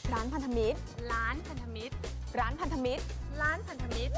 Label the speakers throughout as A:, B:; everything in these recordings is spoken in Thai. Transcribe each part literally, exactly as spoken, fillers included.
A: ร้านพันธมิตร
B: ร้านพันธมิตร
A: ร้านพันธมิตร
B: ร้านพันธมิตร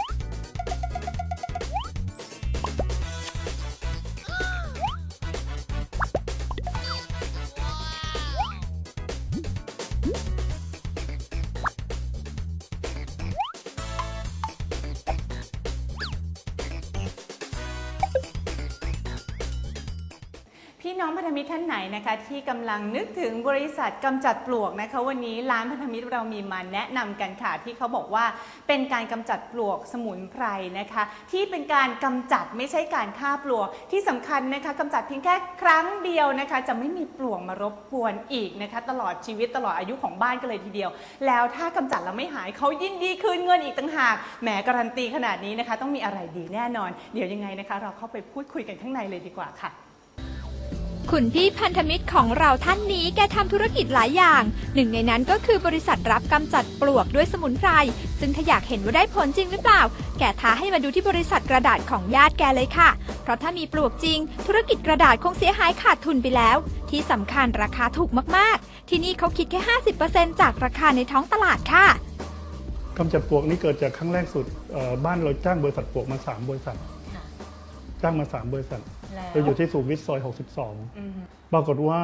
C: พี่น้องพันธมิตรท่านไหนนะคะที่กำลังนึกถึงบริษัทกำจัดปลวกนะคะวันนี้ร้านพันธมิตรเรามีมาแนะนำกันค่ะที่เขาบอกว่าเป็นการกำจัดปลวกสมุนไพรนะคะที่เป็นการกำจัดไม่ใช่การฆ่าปลวกที่สำคัญนะคะกำจัดเพียงแค่ครั้งเดียวนะคะจะไม่มีปลวกมารบกวนอีกนะคะตลอดชีวิตตลอดอายุของบ้านกันเลยทีเดียวแล้วถ้ากำจัดแล้วไม่หายเขายินดีคืนเงินอีกต่างหากแหมการันตีขนาดนี้นะคะต้องมีอะไรดีแน่นอนเดี๋ยวยังไงนะคะเราเข้าไปพูดคุยกันข้างในเลยดีกว่าค่ะ
D: คุณพี่พันธมิตรของเราท่านนี้แกทำธุรกิจหลายอย่างหนึ่งในนั้นก็คือบริษัทรับกำจัดปลวกด้วยสมุนไพรซึ่งถ้าอยากเห็นว่าได้ผลจริงหรือเปล่าแกท้าให้มาดูที่บริษัทกระดาษของญาติแกเลยค่ะเพราะถ้ามีปลวกจริงธุรกิจกระดาษคงเสียหายขาดทุนไปแล้วที่สำคัญราคาถูกมากๆที่นี่เขาคิดแค่ ห้าสิบเปอร์เซ็นต์ จากราคาในท้องตลาดค่ะ
E: กำจัดปลวกนี่เกิดจากครั้งแรกสุดบ้านเราจ้างบริษัทปลวกมาสามบริษัทจ้างมาสามบริษัทเราอยู่ที่สุขุมวิทซอยหกสิบสองปรากฏว่า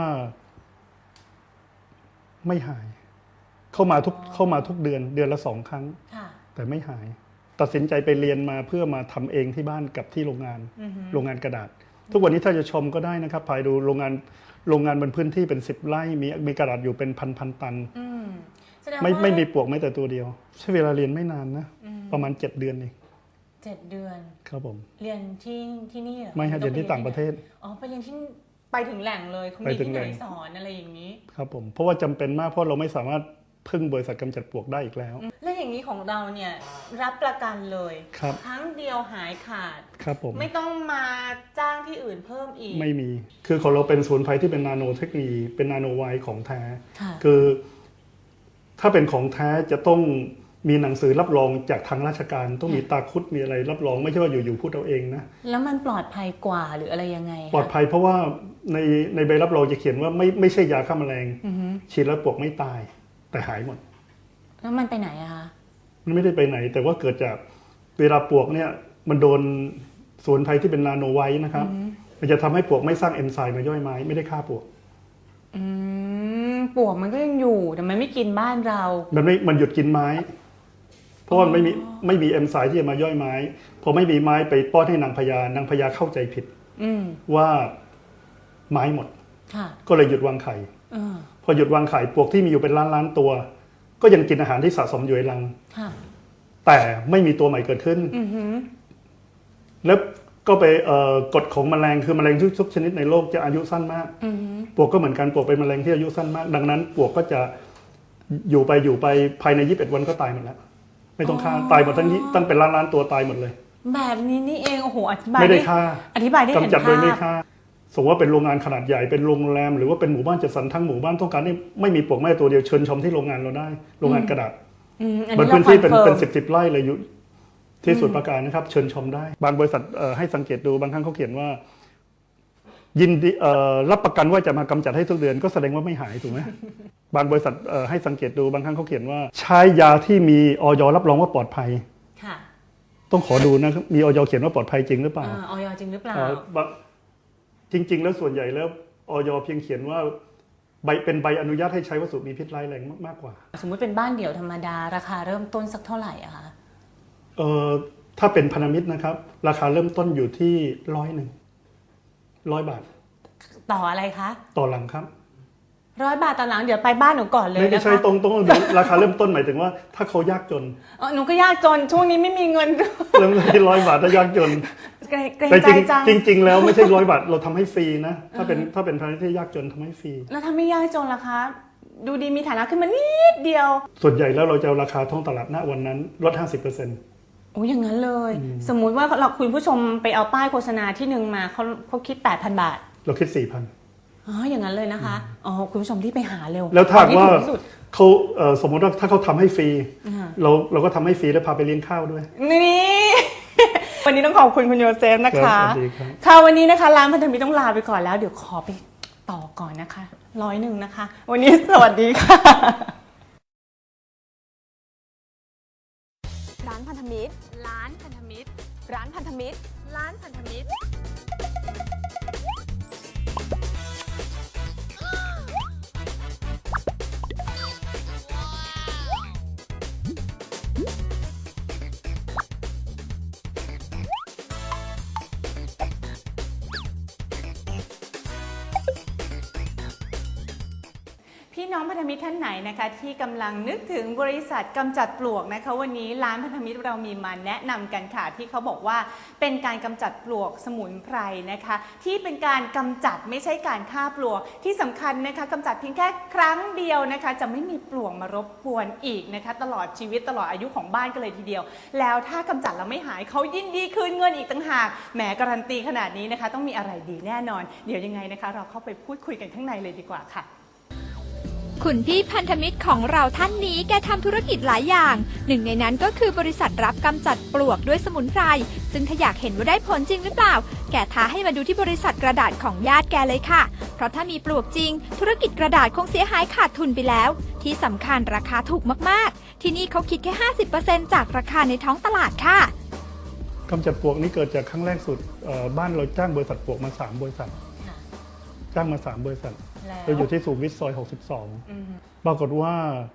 E: ไม่หาย เข้ามาทุกเข้ามาทุกเดือนเดือนละสองครั้งแต่ไม่หาย ตัดสินใจไปเรียนมาเพื่อมาทำเองที่บ้านกับที่โรงงานโรงงานกระดาษ ทุกวันนี้ถ้าจะชมก็ได้นะครับภายดูโรงงานโรงงานบนพื้นที่เป็นสิบไร่มีมีกระดาษอยู่เป็นพันพันตันไม่ไม่มีปลวกแม้แต่ตัวเดียวใช้เวลาเรียนไม่นานนะประมาณเจ็ดเดือนเอง
B: เจ็ดเดือน
E: ครับผม
B: เรียนที่ที่นี่เหรอ
E: ไม่ฮะเรียนที่ต่างประเทศ
B: อ๋อไปเรียนที่ไปถึงแหล่งเลยเขามีที่ไหนสอนอะไรอย่างนี้
E: ครับผมเพราะว่าจำเป็นมากเพราะเราไม่สามารถพึ่งบริษัทกำจัดปลวกได้อีกแล้ว
B: แล้วอย่างนี้ของเราเนี่ยรับประกันเลย
E: ครับ
B: ครั้งเดียวหายขาด
E: ครับผม
B: ไม่ต้องมาจ้างที่อื่นเพิ่มอีก
E: ไม่มีคือของเราเป็นสมุนไพรที่เป็นนาโนเทคโนโลยีเป็นนาโนไวท์ของแท้คือถ้าเป็นของแท้จะต้องมีหนังสือรับรองจากทางราชการต้องมีตาคุดมีอะไรรับรองไม่ใช่ว่าอยู่ๆพูดเอาเองนะ
B: แล้วมันปลอดภัยกว่าหรืออะไรยังไง
E: ปลอดภัยเพราะว่าในในใบรับรองจะเขียนว่าไม่ไม่ใช่ยาฆ่าแมลงฉีดแล้วปลวกไม่ตายแต่หายหมด
B: แล้วมันไปไหนอะคะ
E: มันไม่ได้ไปไหนแต่ว่าเกิดจากเวลาปลวกเนี่ยมันโดนสมุนไพรที่เป็นนาโนไวท์นะครับมันจะทำให้ปลวกไม่สร้างเอนไซม์มาย่อยไม้ไม่ได้ฆ่าปลวก
B: อืมปลวกมันก็ยังอยู่แต่มันไม่กินบ้านเรา
E: มันไม่มันหยุดกินไม้เพราะว่าไม่มีไม่มีเอนไซม์ที่จะมาย่อยไม้พอไม่มีไม้ไปป้อนให้นางพญานางพญาเข้าใจผิดว่าไม้หมดก็เลยหยุดวางไข่พอหยุดวางไข่ปลวกที่มีอยู่เป็นล้านล้านตัวก็ยังกินอาหารที่สะสมอยู่ในรังแต่ไม่มีตัวใหม่เกิดขึ้นแล้วก็ไปกฎของแมลงคือแมลงทุกชนิดในโลกจะอายุสั้นมากปลวกก็เหมือนกันปลวกเป็นแมลงที่อายุสั้นมากดังนั้นปลวกก็จะอยู่ไปอยู่ไปภายในยี่สิบเอ็ดวันก็ตายหมดแล้วไม่ต้องฆ่าตายหมดทั้งนี้ตั้งเป็นล้านล้านตัวตายหมดเลย
B: แบบนี้นี่เองโอ้โหอธิบาย
E: ไม่ได้ฆ่า
B: อธิบายได้เห็นภาพ
E: กำจัดโดยไม่ฆ่าสมมติว่าเป็นโรงงานขนาดใหญ่เป็นโรงแรมหรือว่าเป็นหมู่บ้านจัดสรรทั้งหมู่บ้านต้องการให้ไม่มีปลวกแม้ตัวเดียวเชิญชมที่โรงงานเราได้โรงงานกระดาษบนพื้นที่เป็นเป็นสิบสิบไร่เลยอยู่ที่สุดประการนะครับเชิญชมได้บางบริษัทให้สังเกตดูบางครั้งเขาเขียนว่ายินดีรับประกันว่าจะมากำจัดให้ทุกเดือนก็แสดงว่าไม่หายถูกไหมบางบริษัทให้สังเกตดูบางครั้งเขาเขียนว่าใช้ยาที่มีอย.รับรองว่าปลอดภัยต้องขอดูนะมีอย.เขียนว่าปลอดภัยจริงหรือเปล่า
B: อย.จริงหรือเปล่า
E: จริงๆแล้วส่วนใหญ่แล้วอย.เพียงเขียนว่าใบเป็นใบอนุญาตให้ใช้วัสดุมีพิษร้ายแรงมากกว่า
B: สมมุติเป็นบ้านเดี่ยวธรรมดาราคาเริ่มต้นสักเท่าไหร่อะคะ
E: เอ่อถ้าเป็นพันธมิตรนะครับราคาเริ่มต้นอยู่ที่ร้อยหนึ่งร้อยบาท
B: ต่ออะไรคะ
E: ต่อหลังครับ
B: ร้อยบาทต่อหลังเดี๋ยวไปบ้านหนูก่อนเลยนะคะ
E: ไม่ใช่ตรงตรงราคาเริ่มต้นหมายถึงว่าถ้าเขายากจน
B: เออหนูก็ยากจนช่วงนี้ไม่มีเงิน
E: เริ่มที่ร้อยบาทถ้ายากจน
B: แต่
E: จริงจริงแล้วไม่ใช่ร้อยบาทเราทำให้ฟรีนะถ้าเป็นถ้าเป็นพันธมิตรที่ยากจนทำให้ฟรี
B: แล้วถ้าไม่ยากจนล่ะคะดูดีมีฐานะขึ้นมานิดเดียว
E: ส่วนใหญ่แล้วเราจะราคาท้องตลาดณวันนั้นลด ห้าสิบเปอร์เซ็นต์
B: โอ้อย่างนั้นเลยสมมุติว่าเราคุณผู้ชมไปเอาป้ายโฆษณาที่หนึ่งมาเขาเขาคิด แปดพัน บาท
E: เราคิด สี่พัน
B: อ๋ออย่างนั้นเลยนะคะอ๋อคุณผู้ชมที่ไปหาเร็ว
E: แล้วถ้าว่าเขาสมมติว่าถ้าเขาทำให้ฟรีเราเราก็ทำให้ฟรีแล้วพาไปเลี้ยงข้าวด้วย
B: นี่วันนี้ต้องขอบคุณคุณโยเซฟนะคะค่ะวันนี้นะคะร้านพันธมิตรต้องลาไปก่อนแล้วเดี๋ยวขอไปต่อก่อนนะคะร้อยหนึ่งนะคะวันนี้สวัสดีค่ะ
A: ร้านพันธมิตร
D: ร้านพันธมิตร
C: พี่น้องพันธมิตรท่านไหนนะคะที่กำลังนึกถึงบริษัทกำจัดปลวกนะคะวันนี้ร้านพันธมิตรเรามีมาแนะนำกันค่ะที่เขาบอกว่าเป็นการกำจัดปลวกสมุนไพรนะคะที่เป็นการกำจัดไม่ใช่การฆ่าปลวกที่สำคัญนะคะกำจัดเพียงแค่ครั้งเดียวนะคะจะไม่มีปลวกมารบกวนอีกนะคะตลอดชีวิตตลอดอายุของบ้านกันเลยทีเดียวแล้วถ้ากำจัดแล้วไม่หายเขายินดีคืนเงินอีกต่างหากแหมการันตีขนาดนี้นะคะต้องมีอะไรดีแน่นอนเดี๋ยวยังไงนะคะเราเข้าไปพูดคุยกันข้างในเลยดีกว่าค่ะ
D: คุณพี่พันธมิตรของเราท่านนี้แกทำธุรกิจหลายอย่างหนึ่งในนั้นก็คือบริษัทรับกำจัดปลวกด้วยสมุนไพรซึ่งถ้าอยากเห็นว่าได้ผลจริงหรือเปล่าแกท้าให้มาดูที่บริษัทกระดาษของญาติแกเลยค่ะเพราะถ้ามีปลวกจริงธุรกิจกระดาษคงเสียหายขาดทุนไปแล้วที่สำคัญราคาถูกมากๆที่นี่เขาคิดแค่ ห้าสิบเปอร์เซ็นต์ จากราคาในท้องตลาดค่ะ
E: กำจัดปลวกนี่เกิดจากครั้งแรกสุดบ้านเราจ้างบริษัทปลวกมาสามบริษัทจ้างมาสามบริษัทเราอยู่ที่สุขุมวิทซอยหกสิบสองปรากฏว่า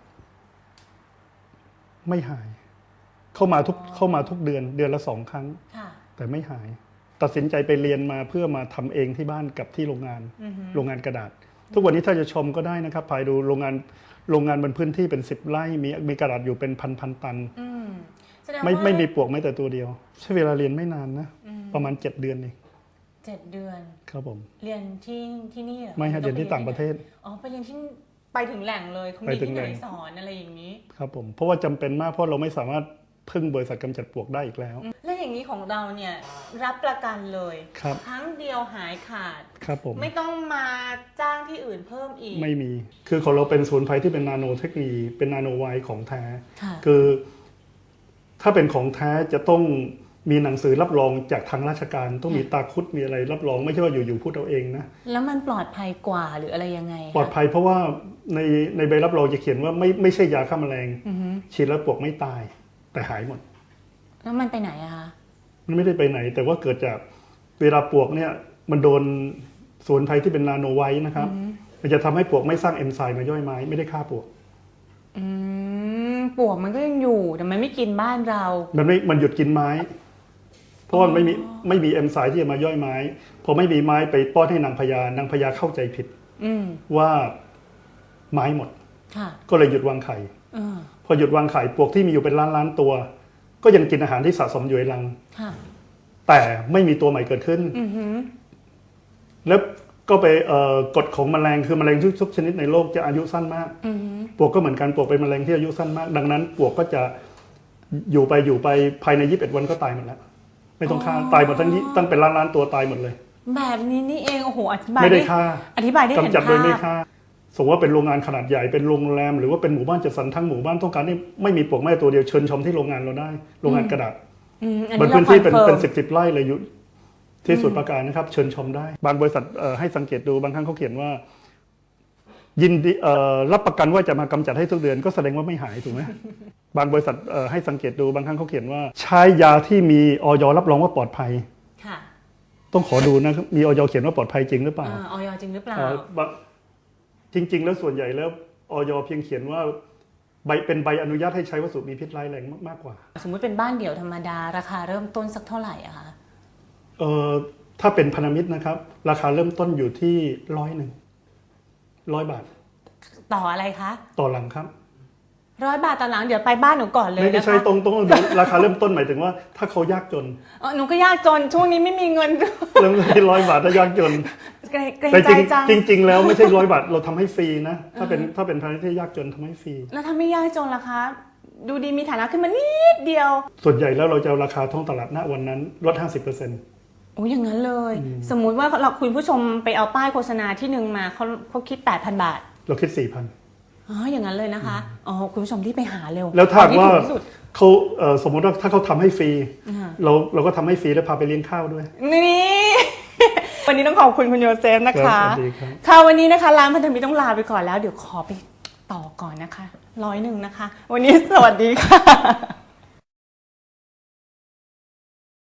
E: ไม่หาย เข้ามาทุกเข้ามาทุกเดือนเดือนละสองครั้งแต่ไม่หาย ตัดสินใจไปเรียนมาเพื่อมาทำเองที่บ้านกับที่โรงงานโรงงานกระดาษ ทุกวันนี้ถ้าจะชมก็ได้นะครับภายดูโรงงานโรงงานบนพื้นที่เป็นสิบไร่มีมีกระดาษอยู่เป็นพันพันตันไม่ไม่มีปลวกแม้แต่ตัวเดียวใช้เวลาเรียนไม่นานนะประมาณเจ็ดเดือนเอง
C: เจ็ดเดือน
E: ครับผม
C: เรียนที่ที่นี่เหรอ
E: ไม่ฮะเรียนที่ต่างประเทศ
C: อ๋อไปเรียนที่ไปถึงแหล่งเลยเขามีที่ไหนสอนอะไรอย่างนี้
E: ครับผมเพราะว่าจำเป็นมากเพราะเราไม่สามารถพึ่งบริษัทกำจัดปลวกได้อีกแล้ว
C: และอย่างนี้ของเราเนี่ยรับประกันเลย
E: ครับ
C: ครั้งเดียวหายขาด
E: ครับผม
C: ไม่ต้องมาจ้างที่อื่นเพิ่มอีก
E: ไม่มีคือของเราเป็นศูนย์ไพรที่เป็นนาโนเทคโนโลยีเป็นนาโนไวของแท้คือถ้าเป็นของแท้จะต้องมีหนังสือรับรองจากทางราชการต้องมีตาคุดมีอะไรรับรองไม่ใช่ว่าอยู่ๆพูดเอาเองนะ
C: แล้วมันปลอดภัยกว่าหรืออะไรยังไง
E: ปลอดภัยเพราะว่าในในใบรับรองจะเขียนว่าไม่ไม่ใช่ยาฆ่าแมลงฉีดแล้วปลวกไม่ตายแต่หายหมด
C: แล้วมันไปไหนอะคะ
E: มันไม่ได้ไปไหนแต่ว่าเกิดจากเวลาปลวกเนี่ยมันโดนสมุนไพรที่เป็นนาโนไวท์นะครับมันจะทำให้ปลวกไม่สร้างเอนไซม์มาย่อยไม้ไม่ได้ฆ่าปลวก
C: อืมปลวกมันก็ยังอยู่แต่มันไม่กินบ้านเรา
E: มันไม่มันหยุดกินไม้เพราะมันไม่มีไม่มีเอนไซม์ที่จะมาย่อยไม้พอไม่มีไม้ไปป้อนให้นางพญานางพญาเข้าใจผิดว่าไม้หมดก็เลยหยุดวางไข่พอหยุดวางไข่ปลวกที่มีอยู่เป็นล้านล้านตัวก็ยังกินอาหารที่สะสมอยู่ในรังแต่ไม่มีตัวใหม่เกิดขึ้นแล้วก็ไปกฎของแมลงคือแมลงทุกชนิดในโลกจะอายุสั้นมากปลวกก็เหมือนกันปลวกเป็นแมลงที่อายุสั้นมากดังนั้นปลวกก็จะอยู่ไปอยู่ไปภายในยี่สิบเอ็ดวันก็ตายหมดแล้วไม่ต้องฆ่าตายหมดทั้งตั้งเป็นล้านล้านตัวตายหมดเลย
C: แบบนี้นี่เองโอ้โหอธิบาย
E: ไม่ได้ฆ่า
C: อธิบายได้เห็นภาพ
E: กำจัดโดยไม่ฆ่าสมมติว่าเป็นโรงงานขนาดใหญ่เป็นโรงแรมหรือว่าเป็นหมู่บ้านจัดสรรทั้งหมู่บ้านต้องการให้ไม่มีปลวกแม้ตัวเดียวเชิญชมที่โรงงานเราได้โรงงานกระดาษบนพื้นที่เป็นเป็นสิบสิบไร่เลยอยู่ที่สมุทรปราการนะครับเชิญชมได้บางบริษัทให้สังเกตดูบางครั้งเขาเขียนว่ายินดีรับประกันว่าจะมากำจัดให้ทุกเดือนก็แสดงว่าไม่หายถูกไหมบางบริษัทให้สังเกตดูบางครั้งเขาเขียนว่าใช้ยาที่มีอย.รับรองว่าปลอดภัยต้องขอดูนะมีอย.เขียนว่าปลอดภัยจริงหรือเปล่า
C: อย.จริงหรือเปล่า
E: จริงๆแล้วส่วนใหญ่แล้วอย.เพียงเขียนว่าใบเป็นใบอนุญาตให้ใช้วัสดุมีพิษร้ายแรงมากกว่า
C: สมมุติเป็นบ้านเดี่ยวธรรมดาราคาเริ่มต้นสักเท่าไหร่อะคะ
E: เอ่อถ้าเป็นพันธมิตรนะครับราคาเริ่มต้นอยู่ที่ร้อยหนึ่งร้อยบาท
C: ต่ออะไรคะ
E: ต่อหลังครับ
C: ร้อยบาทต่อหลังเดี๋ยวไปบ้านหนูก่อนเลยนะคะ
E: ไม่ใช่ตรงตรงราคาเริ่มต้นหมายถึงว่าถ้าเขายากจน
C: อ๋อหนูก็ยากจนช่วงนี้ไม่มีเงิน
E: เริ่มที่ร้อยบาทถ้ายากจนแต่จริงจริงๆแล้วไม่ใช่ร้อยบาทเราทำให้ฟรีนะถ้าเป็นถ้าเป็นพันธมิตรที่ยากจนทำให้ฟรี
C: แล้วถ้าไม่ยากจนล่ะคะดูดีมีฐานะขึ้นมานิดเดียว
E: ส่วนใหญ่แล้วเราจะเอาราคาท้องตลาดณวันนั้นลด ห้าสิบเปอร์เซ็นต์
C: โอ้ยอย่างนั้นเลยสมมุติว่าเราคุณผู้ชมไปเอาป้ายโฆษณาที่หนึ่งมาเขาเขาคิด แปดพัน บาท
E: เราคิด สี่พัน
C: อ๋ออย่างนั้นเลยนะคะอ๋อคุณผู้ชมที่ไปหาเร็ว
E: แล้วถ้าว่าเขาสมมติว่าถ้าเขาทำให้ฟรีเราเราก็ทำให้ฟรีแล้วพาไปเลี้ยงข้าวด้วย
B: นี่วันนี้ต้องขอบคุณคุณโยเซฟนะคะค่ะวันนี้นะคะร้านพันธมิตรต้องลาไปก่อนแล้วเดี๋ยวขอไปต่อก่อนนะคะร้อยหนึ่งนะคะวันนี้สวัสดีค่ะ